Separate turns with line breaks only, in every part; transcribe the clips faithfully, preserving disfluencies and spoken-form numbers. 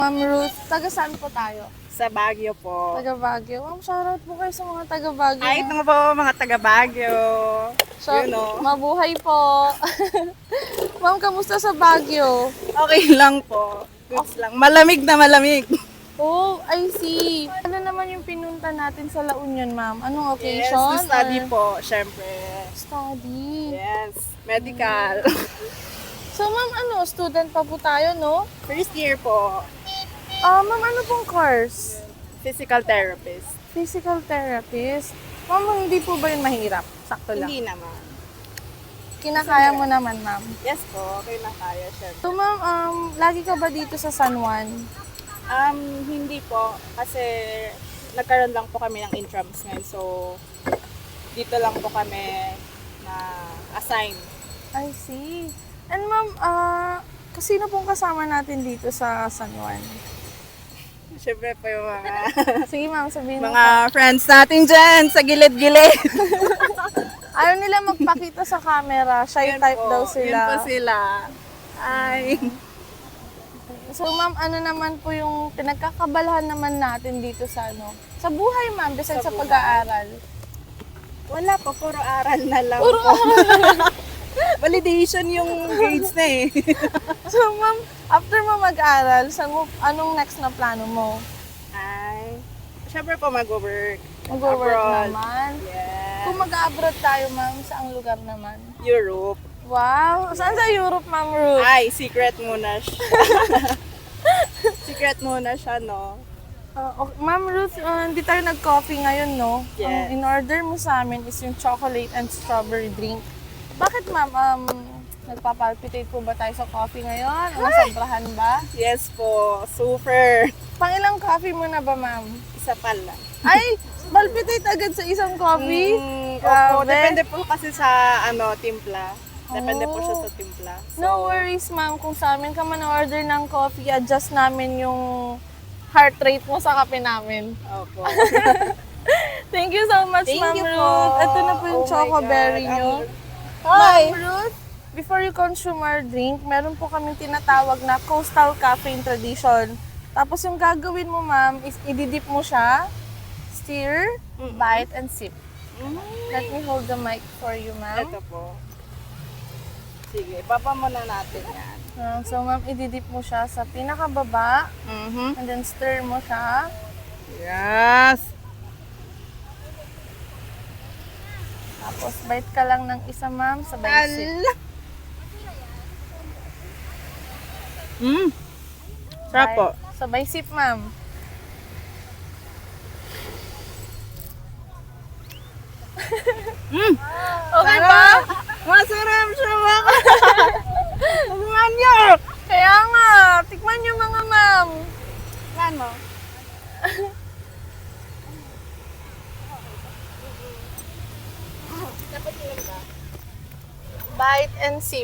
Ma'am Ruth, taga saan po tayo?
Sa Baguio po.
Taga Baguio. Ma'am, shoutout po kayo sa mga taga Baguio.
Ay, ito nga po mga taga Baguio.
So,
You know.
mabuhay po. Ma'am, kamusta sa Baguio?
Okay lang po. Goods lang. Malamig na malamig.
Oh, I see. Ano naman yung pinunta natin sa La Union, ma'am? Anong
Yes,
occasion?
to study
or-
po, syempre.
Study.
Yes, medical.
So, ma'am, ano, student pa po tayo, no?
First year po,
Ah, ma'am, ano pong course?
physical therapist.
Physical therapist. Ma'am, hindi po ba yun mahirap? Sakto lang.
Hindi naman.
Kinakaya mo naman, ma'am.
Yes po, okay na kaya, syempre.
So, ma'am, um, lagi ka ba dito sa San Juan?
Um, hindi po, kasi nagkaroon lang po kami ng intrams ngayon. So, dito lang po kami na assign.
I see. And ma'am, ah, kasino pong kasama natin dito sa San Juan?
Syempre po yung mga
Sige, ma'am, sabihin mo.
mga friends natin dyan sa gilid-gilid.
Ayaw nila magpakita sa camera. Shy
Yan
type
po,
daw
Yan
sila.
po sila. Ay.
So, ma'am, ano naman po yung pinagkakabalahan naman natin dito sa ano? Sa buhay, ma'am, besides
Sa
sa,
buhay.
pag-aaral.
Wala po, puro aral na lang
Puro
po. Validation yung grades na eh.
So, ma'am, after mo mag-aral, saan mo, anong next na plano mo?
Ay. Syempre po mag-work.
Mag-work
Abroad.
naman.
Yes.
Kung mag-abroad tayo, ma'am, saang lugar naman?
Europe.
Wow! Saan sa Europe, ma'am Ruth?
Ay, secret muna siya. Secret muna siya, no?
Uh, okay. Ma'am Ruth, uh, hindi tayo nag-coffee ngayon, no?
Yes.
Ang in-order mo sa amin is yung chocolate and strawberry drink. Bakit, ma'am? Um, nagpapalpitate po ba tayo sa coffee ngayon? O nasobrahan ba?
Yes po, super.
Pangilang coffee mo na ba, ma'am?
Isa pala.
Ay! Palpitate agad sa isang coffee?
Mm,
Grabe.
opo, depende po kasi sa ano, timpla. Depende po siya
Oh.
sa timpla. So,
No worries, ma'am. Kung sa amin ka man order ng coffee, adjust namin yung heart rate mo sa kape namin.
Opo.
Thank you so much,
Thank
Ma'am
you po.
Ruth. Ito na po yung
Oh my
chocoberry
God.
nyo.
Ang-
Ma'am Ruth, before you consume our drink, meron po kaming tinatawag na coastal caffeine tradition. Tapos yung gagawin mo, ma'am, is ididip mo siya, stir,
Mm-mm.
bite, and sip.
Mm,
Let me hold the mic for you, ma'am.
ito po. Sige, papa muna natin yan.
Uh, so, ma'am, ididip mo siya sa pinakababa,
Mm-hmm.
and then stir mo siya.
Yes.
Tapos, bite ka lang ng isa, ma'am, sabay sip.
Ala. Mm. Sarap po.
Bite. Sabay sip, ma'am.
Mm.
Okay ba?
Masarap siya mga. Tikman niyo.
Kaya nga, tikman nyo mga ma'am.
Ano?
Bite and sip.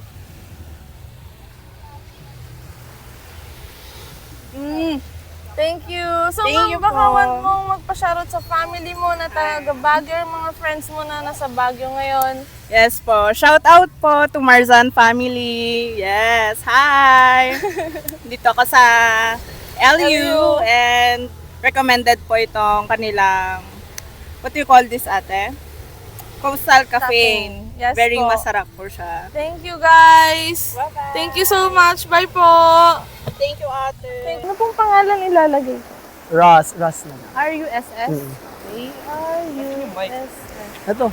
Mm.
Thank you. So,
Thank
ma'am,
you
baka
po.
want mong magpa-shoutout sa family mo na taga Baguio, or mga friends mo na nasa Baguio ngayon.
Yes po. Shout out po to Marzan family. Yes. Hi. Dito ako sa L U and recommended po itong kanilang, what do you call this, ate? Coastal Cafe.
Cafe. Yes
Very
po.
masarap po siya.
Thank you, guys.
Bye-bye.
Thank you so much. Bye po.
Thank you, ate.
Thank Ano pong pangalan ilalagay?
Ross, Ross na.
R U S S?
Mm.
Okay. R U S S.
Ito.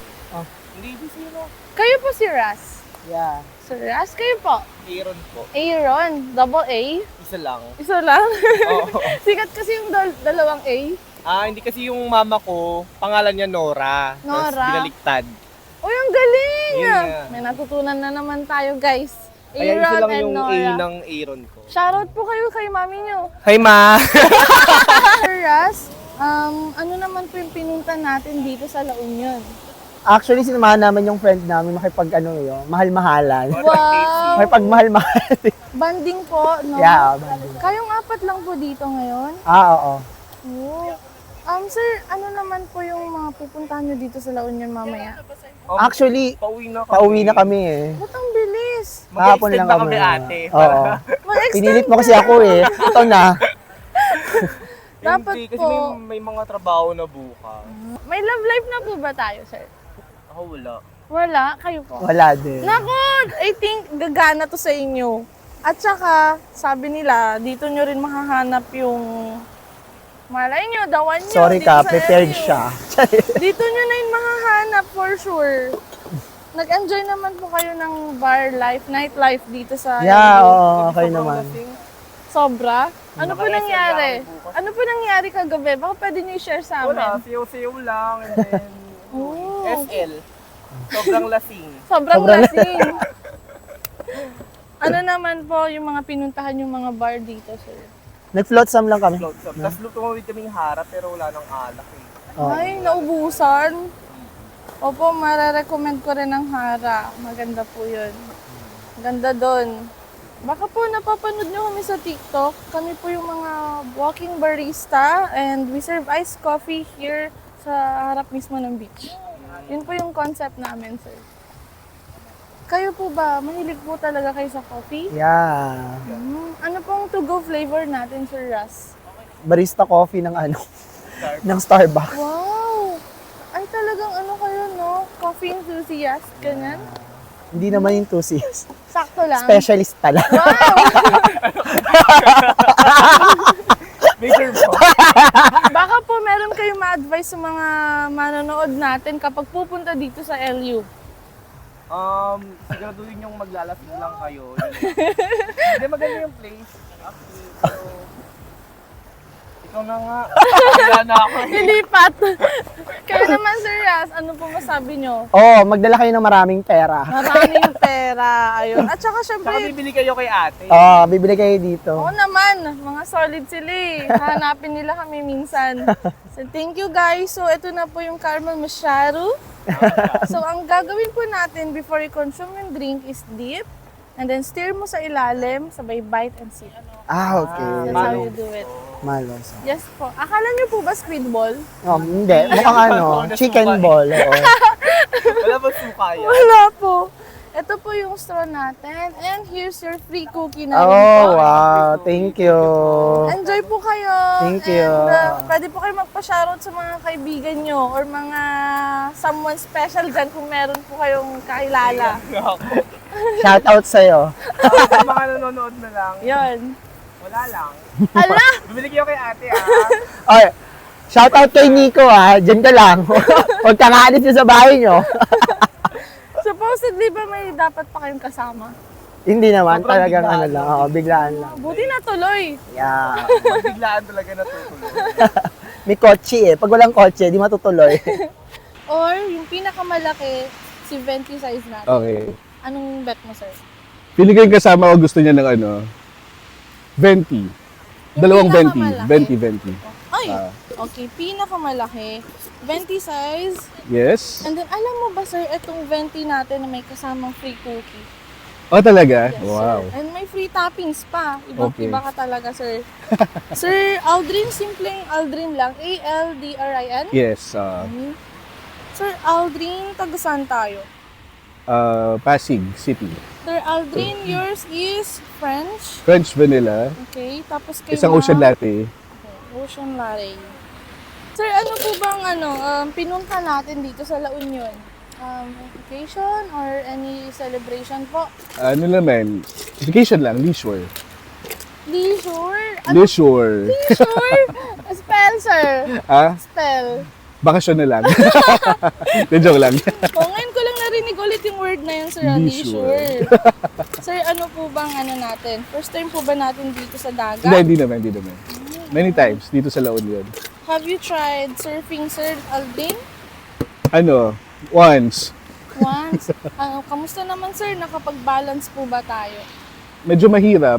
Kayo po si Ras.
Yeah.
Sir Ras, kayo po?
Aaron po.
Aaron, double A.
Isa lang.
Isa lang.
Oo.
Sikat kasi yung dal- dalawang A.
Ah, hindi kasi yung mama ko, pangalan niya Nora.
Nora.
Tapos binaliktad.
Uy, ang galing!
Yun nga.
May natutunan na naman tayo, guys.
Kaya isa
Aaron
lang
and
yung A
Nora.
ng Aaron ko.
Shoutout po kayo kay mami nyo.
Hi, Ma!
Sir Ras, um, ano naman po yung pinunta natin dito sa La Union?
Actually, sinamahan naman yung friend namin makipag ano yun, mahal-mahalan.
Wow!
Makipag-mahal-mahal.
Banding po, no?
yeah, banding.
Kayong apat lang po dito ngayon?
Ah, oo.
Oh. Um, sir, ano naman po yung mga pupuntahan nyo dito sa La Union mamaya?
Um,
Actually,
pauwi na kami.
pauwi na kami eh.
Ba't ang bilis? Yes.
Kahapon
Mag-extend
lang
ba
kami.
kami, ate?
Oo.
Mag-extend
Pinilit mo
ka.
kasi ako eh. Ito na.
Dapat
Hindi, kasi
po.
may, may mga trabaho na bukas.
May love life na po ba tayo, sir?
Ako wala.
Wala? Kayo po?
Wala din.
Naku, I think gagana to sa inyo. At saka, sabi nila, dito nyo rin mahahanap yung malay nyo, dawan nyo.
Sorry
dito
ka,
sa
prepared
L U.
siya.
Dito nyo na yun mahahanap for sure. Nag-enjoy naman po kayo ng bar life, night life dito sa
Yeah,
L U.
oo, okay naman.
Sobra? Ano po
Naka-S L
nangyari?
ako bukas.
Ano po nangyari kagabi? Baka pwede nyo i-share sa
Wala,
amin.
siyaw-siyaw lang. And then,
Oh.
S L. Sobrang lasing.
Sobrang
Sobrang-
lasing. Ano naman po yung mga pinuntahan yung mga bar dito, sir?
Nag-float sam lang kami.
Float up. Tapos tumawid kaming harap pero wala nang alak eh.
Oo.
Ay, naubusan. Opo, mararecommend ko rin ang Hara. Maganda po yun. Ganda doon. Baka po napapanood nyo kami sa TikTok. Kami po yung mga walking barista and we serve iced coffee here sa harap mismo ng beach. Yun po yung concept namin, sir. Kayo po ba, mahilig po talaga kayo sa coffee?
Yeah.
Hmm, ano pong to-go flavor natin, Sir Russ?
Barista coffee ng ano, ng Starbucks.
Wow! Ay, talagang ano kayo, no? Coffee enthusiast, ganyan?
Hindi naman yung enthusiast.
Sakto lang.
Specialist pala.
Major po.
Baka po meron kayong ma-advise sa mga manonood natin kapag pupunta dito sa L U.
Um, siguraduhin yung maglalasing lang kayo. Hindi, maganda yung place. Actually, so, ikaw na nga. Wala na ako. eh.
Lilipat! Kayo naman, Sir Russ, ano po masabi nyo?
Oo, oh, magdala kayo ng maraming pera.
Maraming pera, ayun. At saka
Saka
syempre,
bibili kayo kay ate.
Oo, oh, bibili kayo dito.
oo naman, mga solid sila eh. Hanapin nila kami minsan. So, thank you guys. So, ito na po yung caramel masharu. So, ang gagawin po natin before you consume yung drink is dip. And then, stir mo sa ilalim, sabay bite and sip.
Ah, okay.
That's how you do it.
Malos.
Yes po. Akala niyo po ba squid ball?
Oh, hindi. Mukhang ano, chicken ball. Oo.
Wala ba suka yan?
Wala po. Ito po yung straw natin. And here's your free cookie na rin po.
Oh, wow. Thank you.
Enjoy po kayo.
Thank you.
And uh, pwede po kayo magpa-shoutout sa mga kaibigan nyo or mga someone special dyan kung meron po kayong kakilala.
Shout out sa'yo.
Sa mga nanonood na lang,
Yun.
wala lang.
Ala!
Bibili kayo kay ate ah.
Oy, shout out kay Nico ah. Diyan ka lang. Huwag ka kaalis sa bahay nyo.
Supposedly ba may dapat pa kayong kasama?
Hindi naman.
Sobrang
Talagang
biglaan
ano lang.
lang.
Oo, biglaan lang.
Buti na tuloy.
Yeah.
Biglaan talaga natutuloy.
May kotse eh. Pag walang kotse, di matutuloy.
Or yung pinakamalaki, si venti size natin.
Okay.
Anong bet mo, sir?
Pili ko yung kasama ko gusto niya ng ano, venti.
Yung
Dalawang venti.
pinakamalaki?
Venti, venti.
Ay,
Ah.
okay. Pinakamalaki, venti size.
Yes?
And then, alam mo ba, sir, itong venti natin na may kasamang free cookie?
Oh, talaga?
Yes,
Wow.
sir. And may free toppings pa. Ibang
Okay.
iba ka talaga, sir. Sir Aldrin, simpleng Aldrin lang. A L D R I N?
Yes. Uh,
Mhm. Sir Aldrin, taga saan tayo?
uh, Pasig City.
Sir Aldrin, yours is French.
French vanilla.
Okay, tapos kay
Isang
ma'am,
ocean latte.
Ocean latte. Sir, ano po bang ano, um, pinunta natin dito sa La Union? Um, vacation or any celebration po?
Ano naman? Vacation lang, leisure.
Leisure? Ano?
Leisure.
Leisure? Spell, sir.
Ah?
Spell.
Bakasyon na lang. De joke lang.
O, ngayon ko lang narinig ulit yung word na yun, sir. ah,
Leisure.
Leisure. Sir, ano po bang ano natin? First time po ba natin dito sa dagat?
Hindi, hindi naman, hindi naman. Many times dito sa La Union.
Have you tried surfing, Sir Aldrin?
Ano? Once.
Once. Ano, kamusta naman, sir? Nakapag-balance po ba tayo?
Medyo mahirap.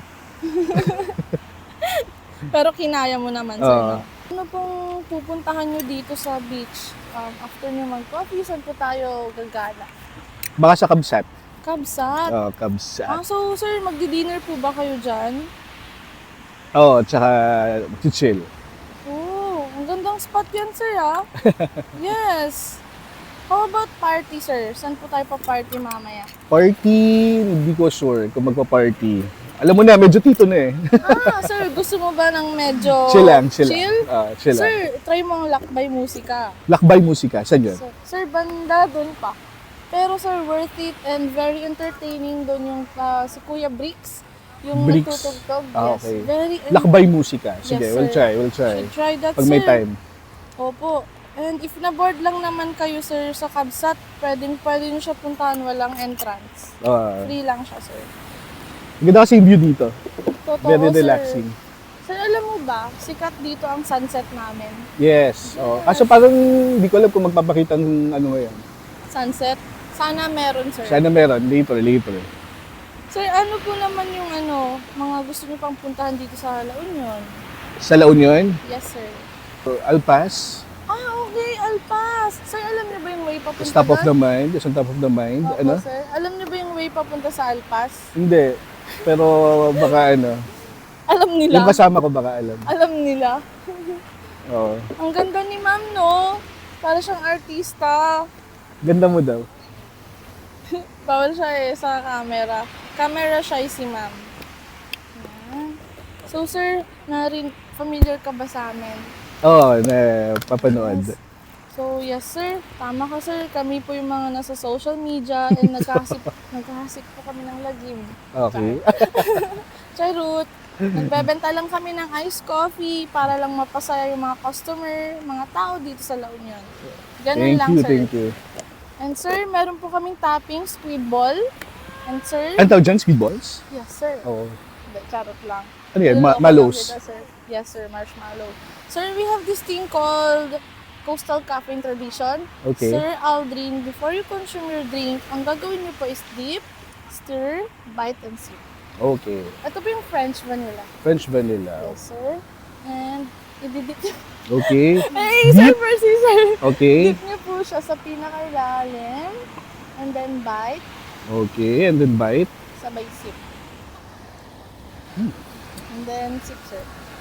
Pero kinaya mo naman, sir.
Oo.
no? Ano pong pupuntahan nyo dito sa beach? Um, after nyo mag-coffee, saan po tayo gagala?
Baka sa Kabsat.
Kabsat.
Oh, Kabsat.
Ah, so, sir, magdi-dinner po ba kayo dyan?
Oo, oh, tsaka chill.
Oh, ang gandang spot yan, sir, ha? Yes. How about party, sir? Saan po tayo pa-party mamaya?
Party, hindi ko sure kung magpa-party. Alam mo na, medyo tito na eh.
Ah, sir, gusto mo ba ng medyo
chill lang, chill,
chill?
lang. Ah, chill lang.
Sir, try mo ang lakbay musika.
Lakbay musika, saan yun?
Sir, sir, banda doon pa. Pero sir, worth it and very entertaining doon yung ah, si Kuya Bricks. Yung
Bricks?
nagtutugtog.
Ah,
Yes,
okay.
very
Lakbay musika. Sige,
Yes,
we'll
sir.
try, we'll try.
Should try that,
Pag may
sir.
time.
Opo. And if na-board lang naman kayo, sir, sa Kabsat, pwedeng pwede nyo siya puntahan, walang entrance.
Ah,
Free lang siya, sir.
Ganda kasi yung view dito.
Totoo,
Very
sir.
relaxing.
Sir, alam mo ba, sikat dito ang sunset namin.
Yes. Oh. Kaso parang hindi ko alam kung magpapakita ng ano ngayon.
Sunset? Sana meron, sir.
Sana meron, later, later.
Sir, ano po naman yung ano, mga gusto nyo pang puntahan dito sa La Union?
Sa La Union,
Yes, sir.
Alpas,
Ah, okay, Alpas. Sir, alam niyo ba yung way papunta
top of the
doon?
mind, just on top of the mind.
Opo,
Ano?
sir. Alam niyo ba yung way papunta sa Alpas?
Hindi. Pero baka ano,
Alam nila.
yung kasama ko baka alam.
Alam nila.
Oo.
Ang ganda ni ma'am, no? Para siyang artista.
Ganda mo daw.
Bawal siya eh sa camera. Camera shy si ma'am. Yan. So, sir, narin familiar ka ba sa amin?
Oo, na papanood.
So, yes sir. Tama ka sir. Kami po yung mga nasa social media and nagkahasik, nagkahasik po kami ng lagim.
Okay.
Charot. Nagbebenta lang kami ng iced coffee para lang mapasaya yung mga customer, mga tao dito sa La Union. Ganun
Thank
lang
you,
sir.
thank you.
And sir, meron po kaming topping squid ball. And sir,
Ano tawag dyan? Speedballs?
yes sir.
Oo.
Hindi, charot lang.
Ano yan? Ma-
Niloloko lang
malos?
kita, sir. Yes sir, marshmallow. Sir, we have this thing called Coastal Caffeine Tradition.
Okay.
Sir Aldrin, before you consume your drink, ang gagawin niyo po is dip, stir, bite, and sip.
Okay.
Ito po yung French vanilla.
French vanilla.
Yes, sir. And, ididip niyo.
Okay.
Hey, sir, Percy, sir.
Okay.
Dip niyo po siya sa pinakailalim. And then bite,
Okay. And then bite.
sabay sip.
Hmm.
And then sip, sir.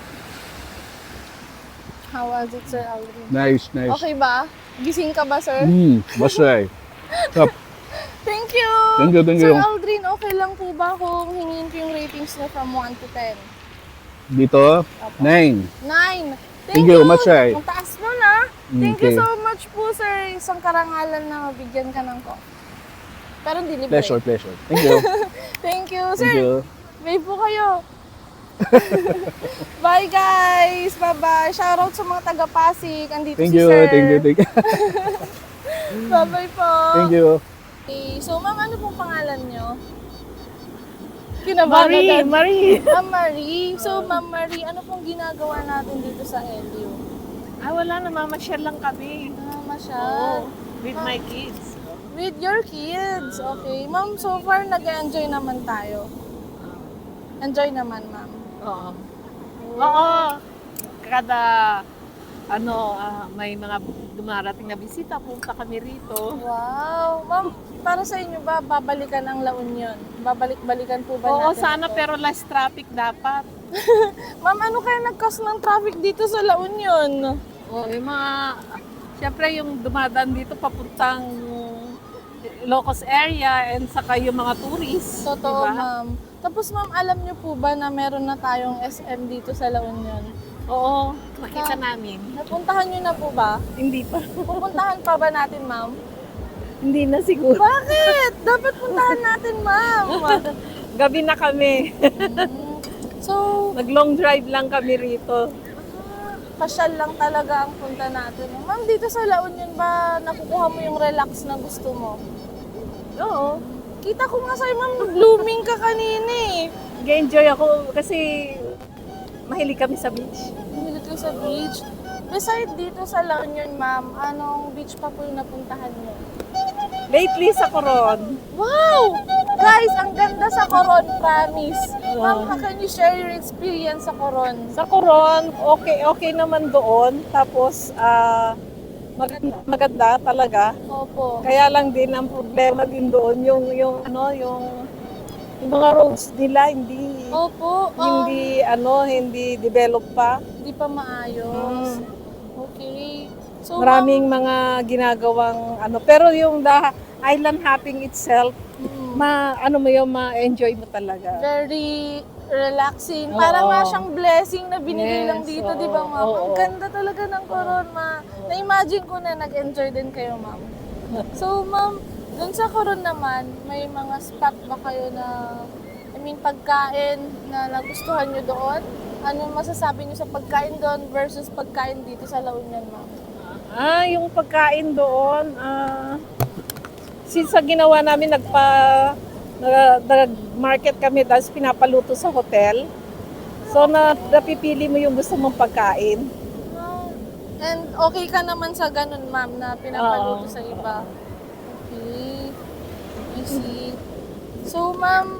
How was it, Sir Aldrin?
Nice, nice.
Okay ba? Gising ka ba, sir?
Hmm, masay. Top.
Thank you!
Thank you, thank
Sir
you.
Aldrin, okay lang po ba kung hingin ko yung ratings niya from one to ten?
Dito, nine.
nine!
Thank you, Masay.
Ang taas mo na. Thank you
Okay.
so much po, sir. Isang karangalan na mabigyan ka ng coffee. Pero hindi libre.
Pleasure, pleasure. Thank you.
Thank you, sir.
Thank you.
Babe po kayo. Bye, guys! Bye-bye! Shoutout sa mga taga-Pasig. Andito
Thank
si
you,
sir.
thank you, thank you.
Bye-bye po.
Thank you.
Okay, so, ma'am, ano pong pangalan nyo? Kinabahan
Marie,
agad.
Marie.
Ma'am Marie. So, Ma'am Marie, ano pong ginagawa natin dito sa L U?
Ah, wala na, mamasyal lang kami.
Ah, masyal.
With my kids.
With your kids. Okay. Ma'am, so far, nag-enjoy naman tayo. Enjoy naman, ma'am.
Oo. Oo. Kada, ano, ah, may mga dumarating na bisita, punta kami rito.
Wow. Ma'am, para sa inyo ba, babalikan ang La Union? Babalik-balikan po ba
Oo,
natin
sana,
ito?
pero less traffic dapat.
Ma'am, ano kaya nag-cause ng traffic dito sa La Union?
Oo, yung mga, siyempre yung dumadaan dito papuntang Ilocos area and saka yung mga tourists.
Totoo,
diba?
ma'am. Tapos, ma'am, alam niyo po ba na meron na tayong S M dito sa La Union?
Oo, nakita
Ah.
namin.
Napuntahan niyo na po ba?
Hindi pa.
Pupuntahan pa ba natin, ma'am?
Hindi na siguro.
Bakit? Dapat puntahan natin, ma'am.
Gabi na kami.
Mm. So,
Nag-long drive lang kami rito.
pasyal lang talaga ang punta natin. Ma'am, dito sa La Union ba nakukuha mo yung relax na gusto mo?
Oo.
Kita ko nga sa'yo, ma'am, blooming ka kanina eh.
Nag-enjoy ako kasi mahilig kami sa beach.
Mahilig ka sa beach. Beside dito sa La Union, ma'am, anong beach pa po yung napuntahan mo?
Lately sa Coron.
Wow! Guys, ang ganda sa Coron, promise. Ma'am, how can you share your experience sa Coron?
Sa Coron, okay okay naman doon. Tapos ah maganda, maganda talaga.
Opo.
Kaya lang din ang problema din doon yung yung ano yung yung mga roads nila hindi
Opo. um,
hindi ano hindi develop pa.
Hindi pa maayos.
Mm.
Okay. So,
Maraming mga ginagawang ano, pero yung the island hopping itself, ma ano mo yung ma-enjoy mo talaga.
very relaxing.
Oo.
Parang nga siyang blessing na binigay
Yes,
lang dito,
oo,
di ba, ma'am?
oo.
Ang ganda talaga ng Coron, ma. Na-imagine ko na nag-enjoy din kayo, ma'am. So, ma'am, dun sa Coron naman, may mga spot ba kayo na, I mean, pagkain na nagustuhan nyo doon? Ano masasabi nyo sa pagkain doon versus pagkain dito sa La Union, ma'am?
Ah, yung pagkain doon, ah, since sa ginawa namin, nagpa, nag- nag-market kami, tapos pinapaluto sa hotel. So, na, napipili mo yung gusto mong pagkain.
And okay ka naman sa ganun, ma'am, na pinapaluto
Oo.
sa iba? Okay. I see. So, ma'am,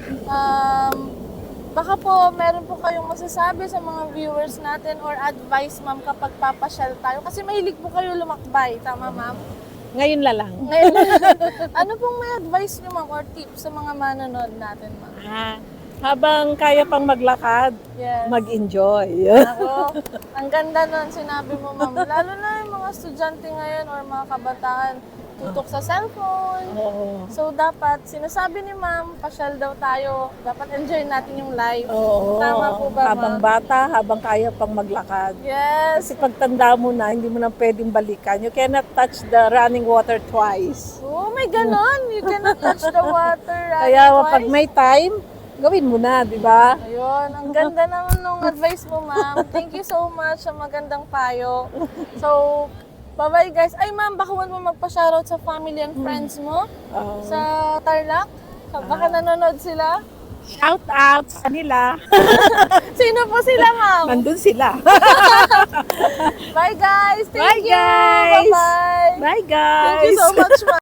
um, baka po meron po kayong masasabi sa mga viewers natin or advice, ma'am, kapag papasyal tayo. Kasi mahilig po kayo lumakbay, tama, ma'am?
Ngayon na lang.
Ngayon, ano pong may advice nyo, ma'am, or tips sa mga manonood natin, ma'am?
Ah, habang kaya pang maglakad,
Yes.
mag-enjoy.
Ako, ang ganda nun, sinabi mo, ma'am. Lalo na yung mga estudyante ngayon or mga kabataan, tutok sa cellphone.
Oo.
So, dapat, sinasabi ni ma'am, pasyal daw tayo. Dapat enjoy natin yung life.
Oo.
Tama po ba,
Habang
ma'am?
bata, habang kaya pang maglakad.
Yes.
Kasi pagtanda mo na, hindi mo na pwedeng balikan. You cannot touch the running water twice.
Oh, may ganon. You cannot touch the water. right,
Kaya
twice.
pag may time, gawin mo na, di ba?
Ayun, ang ganda naman nung advice mo, ma'am. Thank you so much sa magandang payo. So, bye-bye guys. Ay, ma'am, baka huwag mo magpa-shoutout sa family and friends mo
Oo.
sa Tarlac. Baka nanonood sila.
Shout out sa kanila.
Sino po sila, ma'am?
Nandun sila.
Bye, guys. Thank
Bye,
you.
guys.
Bye-bye.
Bye, guys.
Thank you so much, ma'am.